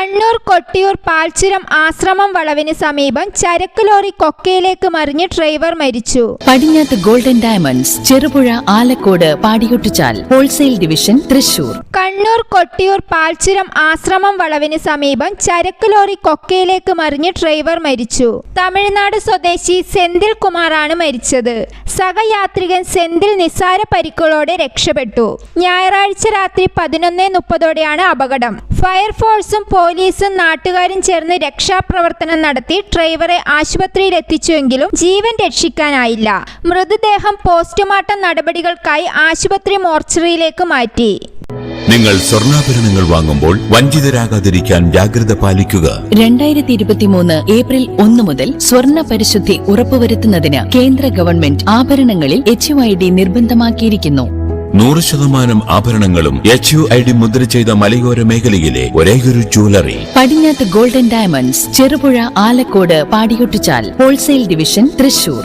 കണ്ണൂർ കൊട്ടിയൂർ പാൽച്ചുരം ആശ്രമം വളവിന് സമീപം ചരക്ക് ലോറി കൊക്കയിലേക്ക് മറിഞ്ഞ് ഡ്രൈവർ മരിച്ചു. Padinjath golden diamonds, Cherupuzha, Alakode, Padiyottuchal wholesale division, Thrissur. Kannur Kottiyoor Palchuram ആശ്രമം വളവിന് സമീപം ചരക്ക് ലോറി കൊക്കയിലേക്ക് മറിഞ്ഞ് ഡ്രൈവർ മരിച്ചു. തമിഴ്നാട് സ്വദേശി സെന്തിൽ കുമാറാണ് മരിച്ചത്. സഹയാത്രികൻ സെന്തിൽ നിസ്സാര പരിക്കുകളോടെ രക്ഷപ്പെട്ടു. ഞായറാഴ്ച രാത്രി 11:30ഓടെയാണ് അപകടം. ഫയർഫോഴ്സും പോലീസും നാട്ടുകാരും ചേർന്ന് രക്ഷാപ്രവർത്തനം നടത്തി ഡ്രൈവറെ ആശുപത്രിയിൽ എത്തിച്ചുവെങ്കിലും ജീവൻ രക്ഷിക്കാനായില്ല. മൃതദേഹം പോസ്റ്റ്മോർട്ടം നടപടികൾക്കായി ആശുപത്രി മോർച്ചറിയിലേക്ക് മാറ്റി. നിങ്ങൾ സ്വർണ്ണാഭരണങ്ങൾ വാങ്ങുമ്പോൾ വഞ്ചിതരാകാതിരിക്കാൻ ജാഗ്രത പാലിക്കുക. 2023 ഏപ്രിൽ 1 മുതൽ സ്വർണ്ണ പരിശുദ്ധി ഉറപ്പുവരുത്തുന്നതിന് കേന്ദ്ര ഗവൺമെന്റ് ആഭരണങ്ങളിൽ HUID നിർബന്ധമാക്കിയിരിക്കുന്നു. 100% ആഭരണങ്ങളും HUID മുദ്ര ചെയ്ത മലയോര മേഖലയിലെ ഒരേയൊരു jewellery. Padinjath golden diamonds, Cherupuzha, Alakode, Padiyottuchal wholesale division, Thrissur.